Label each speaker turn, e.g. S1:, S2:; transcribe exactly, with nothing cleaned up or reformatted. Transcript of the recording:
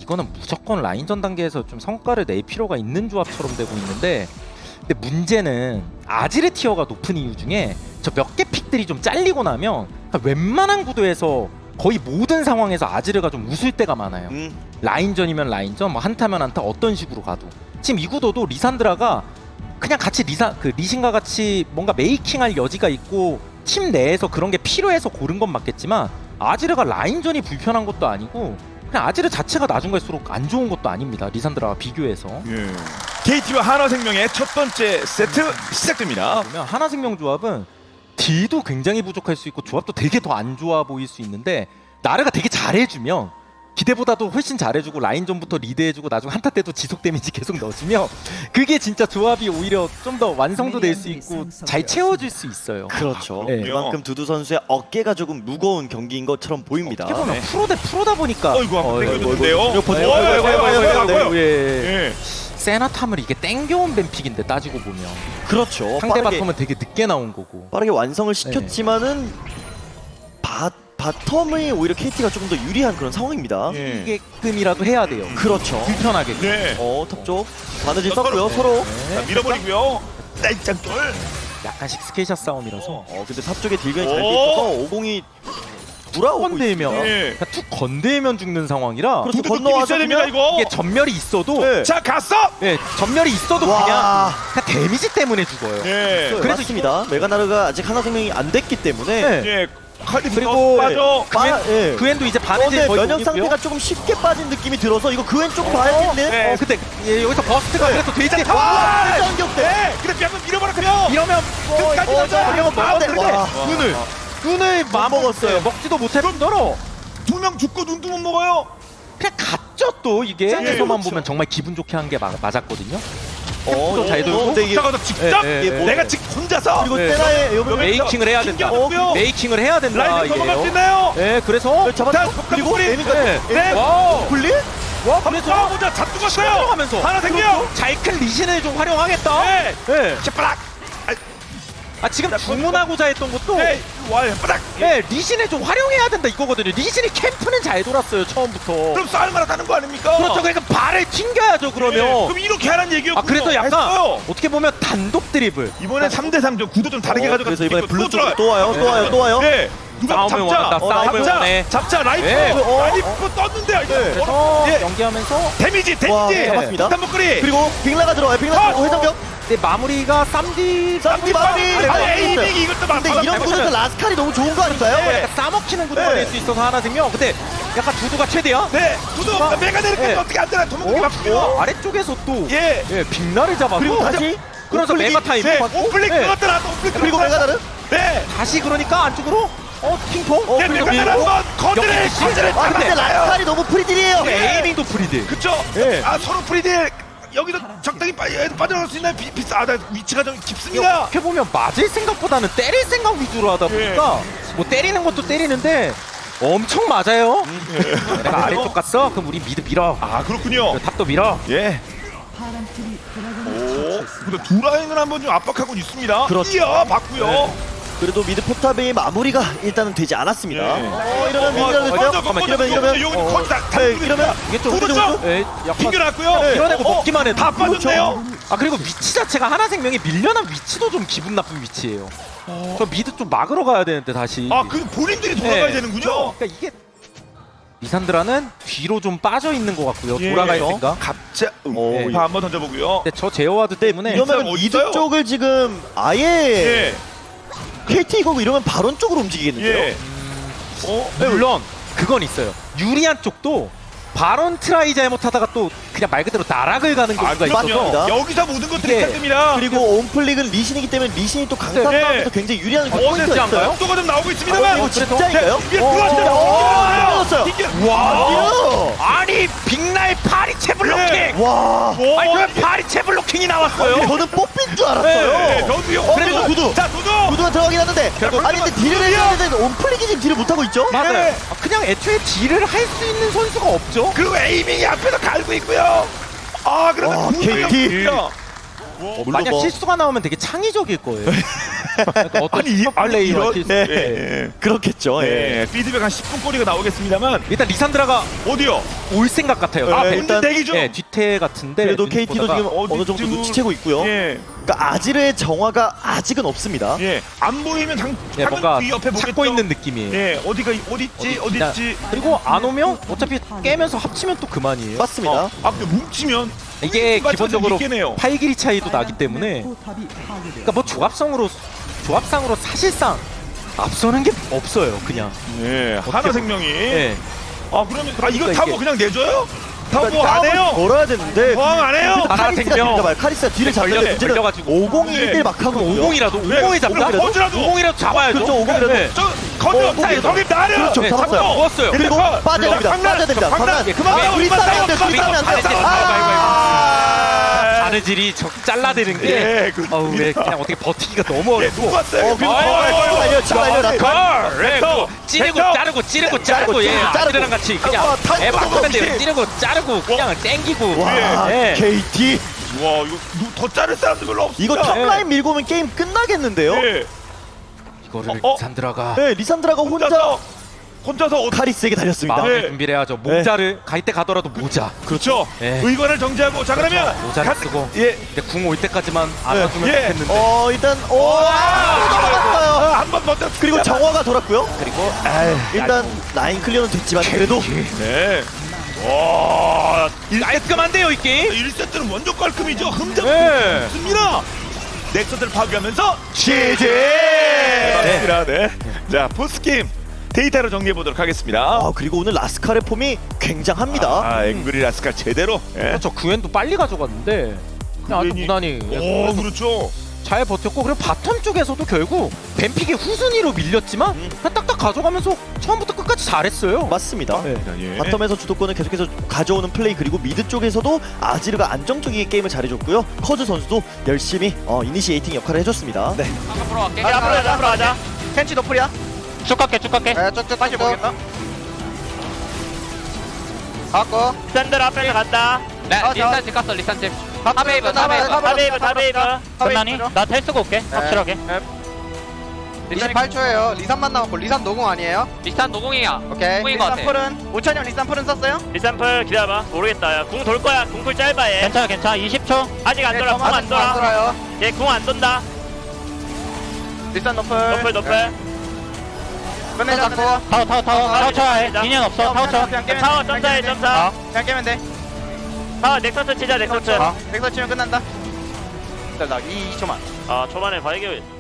S1: 이거는 무조건 라인전 단계에서 좀 성과를 낼 필요가 있는 조합처럼 되고 있는데, 근데 문제는 아지르 티어가 높은 이유 중에 저 몇 개 픽들이 좀 잘리고 나면 웬만한 구도에서 거의 모든 상황에서 아지르가 좀 웃을 때가 많아요.
S2: 음.
S1: 라인전이면 라인전, 뭐 한타면 한타, 어떤 식으로 가도. 지금 이 구도도 리산드라가 그냥 같이 리사 그 리신과 같이 뭔가 메이킹할 여지가 있고 팀 내에서 그런 게 필요해서 고른 건 맞겠지만, 아지르가 라인전이 불편한 것도 아니고 그냥 아지르 자체가 나중 갈수록 안 좋은 것도 아닙니다. 리산드라와 비교해서.
S2: 예. 케이티와 한화생명의 첫 번째 세트 시작됩니다.
S1: 보면 하나생명 조합은 딜도 굉장히 부족할 수 있고 조합도 되게 더 안 좋아 보일 수 있는데, 나르가 되게 잘해주면 기대보다도 훨씬 잘해주고 라인전부터 리드해주고 나중 한타 때도 지속 데미지 계속 넣어주면 그게 진짜 조합이 오히려 좀 더 완성도 될 수 있고 잘 채워줄 수 있어요.
S2: 그렇죠.
S1: 네.
S2: 그만큼 두두 선수의 어깨가 조금 무거운 경기인 것처럼 보입니다.
S1: 어떻게 보면
S2: 네.
S1: 프로 대 프로다 보니까
S2: 어이구, 한번
S1: 어,
S2: 땡겨줬는데요.
S1: 이거, 이거, 이거,
S2: 어이구, 어이구, 어이구, 어이구, 어이구.
S1: 예.
S2: 예.
S1: 세나탐을 이게 땡겨온 뱀픽인데 따지고 보면
S2: 그렇죠.
S1: 상대
S2: 빠르게,
S1: 바텀은 되게 늦게 나온 거고.
S2: 빠르게 완성을 시켰지만은 바, 바텀이 오히려 케이티가 조금 더 유리한 그런 상황입니다.
S3: 예.
S1: 이게끔이라도 해야 돼요.
S2: 그렇죠.
S1: 불편하게.
S3: 네.
S2: 어, 탑쪽 바느질 썼고요. 서로.
S3: 자, 밀어버리고요. 짤짱돌.
S1: 약간씩 스케이샷 싸움이라서
S2: 어, 근데 탑쪽에 딜견이 잘
S3: 오!
S2: 돼 있어서 오공이 돌아오고
S1: 건들면
S2: 있습니다.
S3: 예.
S1: 그냥 툭 건들면 죽는 상황이라
S2: 그렇죠.
S3: 두두 느낌
S2: 건너와서
S3: 있어야 됩니다
S2: 그냥-
S3: 이거.
S1: 이게 전멸이 있어도
S2: 네.
S3: 자 갔어.
S1: 예, 전멸이 있어도
S2: 와.
S1: 그냥, 그냥 데미지 때문에 죽어요.
S3: 예.
S1: 그래서
S2: 맞습니다. 메가나르가 아직 하나 생명이 안 됐기 때문에
S1: 네.
S3: 예. 칼리
S1: 그리고-
S3: 빠져.
S2: 빠, 예.
S1: 그엔도 이제 바느질
S2: 그런데
S1: 거의
S2: 면역
S1: 못
S2: 상태가
S1: 입고요.
S2: 조금 쉽게 빠진 느낌이 들어서 이거 그엔 조금 봐야겠네.
S3: 네.
S1: 어, 근데 예, 여기서 버스트가
S2: 네.
S1: 그래도 되지.
S3: 와!
S2: 짱격대.
S3: 네. 근데 뺨을 밀어버렸고요.
S1: 이러면
S3: 끝까지
S2: 어,
S3: 가자.
S2: 이러면 먹었는데.
S3: 아,
S2: 와.
S1: 눈을 눈을 맘
S2: 먹었어요.
S1: 먹었어요. 먹지도 못할 뿐더러
S3: 두 명 죽고 눈도 못 먹어요.
S1: 그냥 갔죠 또 이게.
S3: 예,
S1: 에서만
S3: 그렇죠.
S1: 보면 정말 기분 좋게 한 게 맞았거든요.
S2: 어,
S1: 또 잘 돌고.
S2: 근데 이게
S3: 자가 직접
S1: 예, 예,
S2: 예.
S3: 내가 직 혼자서
S2: 그리고
S1: 네.
S2: 테라의 요번
S1: 메이킹을 해야 된다.
S3: 튕겨놓고요.
S1: 메이킹을 해야 된다
S3: 라인을 넘어갈 수
S1: 이게요.
S3: 있나요?
S1: 예, 그래서
S2: 잡았
S3: 자,
S2: 그리고
S3: 폭탄
S2: 에미까지.
S1: 네.
S3: 네.
S1: 와우.
S2: 굴리?
S1: 와,
S3: 한번
S1: 그래서
S3: 싸워보자. 잡 죽었어요.
S1: 들어가면서
S3: 하나 생겨.
S1: 잘큰 리신을 좀 활용하겠다.
S3: 네.
S1: 예.
S3: 샤빠락.
S1: 아 지금 주문하고자 했던 것도
S3: 네. 와, 샤빠락.
S1: 예, 리신을 좀 활용해야 된다 이거거든요. 리신이 캠프는 잘 돌았어요 처음부터.
S3: 그럼 싸울 만하다는 거 아닙니까?
S1: 그렇죠. 그러니까 발을 튕겨야죠 그러면.
S3: 네. 그럼 이렇게 하라는 얘기였군요.
S1: 아 그래서 약간
S3: 했어요.
S1: 어떻게 보면 단독 드리블.
S3: 이번에 삼 대 삼 좀 구도 좀 다르게
S2: 어,
S3: 가져가.
S2: 그래서 이번에 블루 쪽으로 또 와요. 또 와요. 또 와요.
S3: 네. 누가
S1: 싸움을
S3: 잡자.
S1: 원한다,
S3: 어,
S1: 싸움을
S3: 잡자.
S1: 원해.
S3: 잡자. 라이프.
S1: 네.
S2: 어,
S3: 라이프 떴는데. 이거.
S2: 네.
S1: 그래서
S3: 예.
S1: 연기하면서
S3: 데미지.
S2: 와,
S3: 데미지.
S2: 잡았습니다.
S3: 폭탄 목걸이.
S2: 그리고 빅라가 들어와요. 빅라
S3: 아!
S2: 들어오고 회전격.
S1: 근데 마무리가 쌈디
S2: 쌈디 마무리.
S1: 아래가
S3: 아,
S1: 있어요.
S3: 에이밍이 이것도 막.
S2: 근데 이런 구도에서 라스칼이 너무 좋은 거 아닌가요?
S3: 네.
S1: 약간 싸먹히는 구도가
S2: 네.
S1: 될 수 있어서 하나 생명. 근데 약간 두두가 최대야.
S3: 네. 두두
S1: 아,
S3: 메가 내리까
S1: 네.
S3: 어떻게 안 되나? 도망가기
S1: 어?
S3: 바쁘요.
S1: 어? 아래쪽에서 또
S3: 예.
S1: 예, 빅나를 잡아서
S2: 그리고 다시
S1: 그래서
S2: 오플릭이-
S1: 메가 타임.
S3: 네.
S1: 받고,
S3: 오플릭
S1: 네.
S3: 들어갔더라. 오플릭
S2: 그리고
S3: 들어갔더라.
S2: 메가나르.
S3: 네.
S1: 다시 그러니까 안쪽으로 어 핑퐁. 어
S3: 네,
S1: 그리고
S3: 메가
S1: 밀고.
S3: 한번 거드를
S1: 여기
S3: 거드를
S2: 아 근데 라스칼이 너무 프리딜이에요.
S3: 네.
S1: 에이밍도 프리드.
S3: 그쵸?
S1: 네.
S3: 아 서로 프리딜 여기서 적당히 빠, 빠져나갈 수 있나요? 비, 비싸. 아, 나 위치가 좀 깊습니다.
S1: 이렇게 보면 맞을 생각보다는 때릴 생각 위주로 하다 보니까 뭐 때리는 것도 때리는데 엄청 맞아요. 내가 아래쪽 갔어? 그럼 우리 미드 밀어.
S3: 아 그렇군요.
S1: 탑도 밀어.
S3: 예. 오, 근데 두 라인을 한번 좀 압박하고 있습니다.
S2: 그렇죠.
S3: 이어 봤고요.
S1: 네.
S2: 그래도 미드 포탑의 마무리가 일단은 되지 않았습니다.
S3: 네.
S2: 어 이러면
S3: 어,
S2: 미드가
S3: 먼저,
S2: 잠깐만
S3: 먼저,
S2: 이러면 이러면
S3: 여기
S2: 어,
S3: 거기 다- 다
S2: 네,
S3: 누르고
S2: 이러면
S3: 있습니다.
S2: 이게 좀
S3: 구르죠?
S2: 그렇죠?
S1: 예, 약간
S3: 튕겨놨고요.
S1: 밀어내고
S3: 어,
S1: 먹기만 해도.
S3: 다 빠졌네요.
S1: 아 그리고 위치 자체가 하나생명이 밀려난 위치도 좀 기분 나쁜 위치예요. 저 미드 좀 막으러 가야 되는데 다시.
S3: 아, 그 본인들이 돌아가야
S1: 네.
S3: 되는군요.
S1: 그러니까 이게 리산드라는 뒤로 좀 빠져 있는 것 같고요.
S3: 예.
S1: 돌아갈 생각.
S3: 갑자.
S2: 어,
S3: 오,
S2: 예.
S3: 파 한번 던져보고요.
S1: 근데 저 제어와드 때문에
S2: 이러면
S3: 어디
S2: 미드
S3: 있어요?
S2: 쪽을 지금 아예
S3: 예.
S2: 케이티 이거고 이러면 바론 쪽으로 움직이겠는데요.
S3: 예. 어,
S1: 네, 물론 그건 있어요. 유리한 쪽도 바론 트라이 잘못하다가 또 그냥 말 그대로 나락을 가는
S3: 아,
S1: 경우가
S2: 그럼요.
S1: 있어서
S2: 맞습니다.
S3: 여기서 모든 것들이
S1: 예.
S3: 시작됩니다.
S2: 그리고 온플릭은 리신이기 때문에 리신이 또 강타
S3: 네.
S2: 싸움에서 굉장히 유리한
S1: 어,
S2: 포인트가
S1: 어렵지 않나요?
S2: 있어요.
S3: 속도가 좀 나오고
S2: 어,
S3: 있습니다만.
S2: 이거 진짜인가요?
S3: 이게
S1: 어,
S3: 들어왔어요.
S2: 어,
S3: 튕겨.
S2: 들어왔어요.
S1: 와
S2: 와!
S1: 아니 빅날 파리채 블로킹.
S3: 네.
S2: 와!
S3: 오,
S1: 아니 왜 파리채 블로킹이 나왔어요?
S2: 저는 뽑힌 줄
S3: 네,
S2: 알았어요.
S3: 저도요.
S2: 어, 그래도 구두.
S3: 자, 두두.
S2: 구두가 들어가긴 하는데
S3: 결국
S2: 아니 근데 딜을 해야 되는데 온플릭이 지금 딜을 못하고 있죠?
S1: 맞아요.
S3: 네.
S1: 아, 그냥 애초에 딜을 할 수 있는 선수가 없죠.
S3: 그리고 에이밍이 앞에서 갈고 있고요. 아, 그런데
S2: 와,
S3: 구두가
S2: 케이티.
S3: 있습니다.
S2: 물론
S1: 만약
S2: 뭐-
S1: 실수가 나오면 되게 창의적일 거예요. 그러니까 어떤
S3: 아니, 이- 아니,
S1: 플레이
S3: 이런-
S1: 할수
S2: 네.
S3: 예.
S2: 그렇겠죠. 예.
S3: 네, 피드백 한 십 분 거리가 나오겠습니다만
S1: 일단 리산드라가
S3: 어디요?
S1: 올 생각 같아요.
S3: 아,
S2: 네,
S3: 근데
S2: 일단-
S3: 대기 중.
S1: 네, 뒤태 같은데
S2: 그래도
S1: 눈
S2: 케이티도
S1: 보다가
S2: 지금 어느 정도
S3: 어디쯤-
S2: 눈치채고 있고요.
S3: 예,
S2: 그러니까 아지르의 정화가 아직은 없습니다.
S3: 예. 안 보이면 당,
S1: 네,
S3: 당연
S1: 뭔가
S3: 뒤 옆에 보겠죠.
S1: 찾고 있는 느낌이에요.
S3: 예, 어디가 어디 있지? 어디
S1: 그냥-
S3: 있지?
S1: 그리고 안 오면 어차피 깨면서 합치면 또 그만이에요.
S2: 맞습니다.
S3: 어, 아, 근데 뭉치면
S1: 이게 기본적으로
S3: 있겠네요.
S1: 팔 길이 차이도 나기 때문에 그러니까 뭐 조합성으로 조합상으로 사실상 앞서는 게 없어요. 그냥.
S3: 예, 하나 생명이.
S1: 네.
S3: 아, 그러면 아 이거
S1: 그러니까
S3: 타고
S1: 이게-
S3: 그냥 내줘요? 타고
S2: 그러니까
S3: 뭐 안
S2: 싸움을
S3: 해요?
S2: 걸어야 되는데
S3: 저항 안 해요?
S2: 그래도
S1: 하나
S2: 카리스가
S1: 생명.
S2: 뒤를 잡아요. 카리스가 뒤를 잡는데
S1: 걸려-
S2: 문제는
S1: 걸려가지고.
S2: 오공이일 막 하고
S1: 오공이라도 오공이 잡자.
S3: 오공이라도? 오공이라도?
S1: 오공이라도 잡아야죠.
S2: 그렇죠, 오공이라도.
S1: 네.
S3: 저 거기
S2: 어,
S3: 없다.
S2: 거기에서-
S3: 거기 나려.
S2: 그렇죠,
S1: 네,
S2: 잡았어요.
S1: 잡고 먹었어요.
S2: 그리고
S3: 근데
S2: 빠져야 됩니다.
S3: 방난,
S2: 빠져야 됩니다.
S3: 방난.
S2: 방난.
S3: 그만
S2: 아,
S3: 싸워,
S2: 둘이
S3: 그만
S2: 싸면 안 돼.
S3: 싸워,
S2: 둘이 싸면 안 돼.
S1: 그만
S2: 아!
S1: 바느질이 저 잘라대는 게
S3: 예, 그
S1: 어우 왜 그냥 어떻게 버티기가 너무
S3: 예,
S1: 어렵고
S3: 누구 왔어요?
S2: 어, 그리고
S1: 아유,
S2: 어, 치고 달려, 치고 달려. 나
S3: 걸.
S1: 네,
S3: 벡터,
S1: 그 찌르고
S3: 벡터.
S1: 자르고 찌르고 자르고 예
S2: 찌르고 자르고.
S1: 아들이랑 같이 그냥
S2: 어, 타고
S1: 예 막하면 돼요.
S2: 없이.
S1: 찌르고 자르고 그냥 땡기고
S2: 와,
S1: 예.
S2: 케이티.
S3: 와, 이거 누- 더 자를 사람들 별로 없어.
S2: 이거 탑라인 밀고 오면 게임 끝나겠는데요?
S3: 예.
S1: 이거를
S3: 어, 어?
S1: 산드라가
S2: 네, 리산드라가 혼자
S3: 혼자서 혼자서 어,
S2: 카리스에게 달렸습니다.
S1: 마음의
S3: 네.
S1: 준비를 해야죠. 모자를 갈 때 가더라도 모자
S3: 그렇죠.
S1: 예.
S3: 의관을 정지하고 자 그러면
S1: 모자를
S3: 간-
S1: 쓰고
S3: 예.
S1: 근데 궁 올 때까지만 안아주면
S3: 예.
S1: 좋겠는데
S2: 어, 일단 오, 넘어갔어요.
S3: 아, 한번 먼저
S2: 그리고 정화가 돌았고요.
S1: 그리고
S2: 일단 라인 클리어는 됐지만 그래도
S3: 네. 와,
S1: 깔끔한데요 이 게임?
S3: 일 세트는 완전 깔끔이죠. 흠잡
S1: 네.
S3: 없습니다. 넥서스를 파괴하면서
S2: 지지.
S3: 대박입니다. 네. 자, 포스 게임 데이터로 정리해 보도록 하겠습니다.
S2: 아, 그리고 오늘 라스칼의 폼이 굉장합니다.
S3: 아, 앵그리 라스칼 제대로. 예.
S1: 그렇죠. 구엔도 빨리 가져갔는데 그냥 아주
S3: 구엔이-
S1: 무난히
S3: 오, 그렇죠.
S1: 잘 버텼고 그리고 바텀 쪽에서도 결국 뱀픽이 후순위로 밀렸지만
S2: 음.
S1: 그냥 딱딱 가져가면서 처음부터 끝까지 잘했어요.
S2: 맞습니다.
S1: 네.
S3: 예.
S2: 바텀에서 주도권을 계속해서 가져오는 플레이 그리고 미드 쪽에서도 아지르가 안정적이게 게임을 잘해줬고요. 커즈 선수도 열심히 어, 이니시에이팅 역할을 해줬습니다. 네.
S4: 앞으로 갈게.
S5: 가자, 앞으로 가자, 앞으로 가자. 켄치 노플이야?
S4: 쭉 갈게, 쭉 갈게.
S5: 네, 쭉쭉 다시 모르겠다. 갖고.
S4: 샌들 앞에서 간다. 네,
S5: 아,
S4: 리산 집 갔어, 리산 집.
S5: 탑
S4: 탑웨이브,
S5: 탑
S4: 탑웨이브.
S5: 탑
S4: 탑웨이브, 탑웨이브. 끝나니?
S5: 탑
S4: 나 텔 쓰고 올게, 확실하게.
S5: 이십팔 초예요. 리산만 남았고 리산 노공 아니에요?
S4: 리산 노공이야.
S5: 오케이.
S4: 노공인 것 같아.
S5: 리산 풀은 오천 형 리산 풀은 썼어요?
S6: 리산풀 기다려봐. 모르겠다. 야, 궁 돌 거야. 궁풀 짧아 얘.
S4: 괜찮아, 괜찮아. 이십 초.
S6: 아직 안 돌아. 궁 안
S5: 안
S6: 돌아.
S5: 돌아요.
S6: 얘 궁 안 돈다.
S5: 리산 노플.
S6: 너플 너플.
S5: 끝내자.
S4: 타워, 타워, 타워. 타워 쳐야 해. 인연 없어, 타워 쳐.
S5: 그냥 깨면
S6: 타워
S5: 돼.
S6: 점사해
S5: 그냥
S6: 점사.
S5: 그냥 깨면 돼.
S6: 타워 넥서스 치자 넥서스.
S5: 넥서 치면 끝난다. 나 이 초만.
S6: 아 초반에 바이게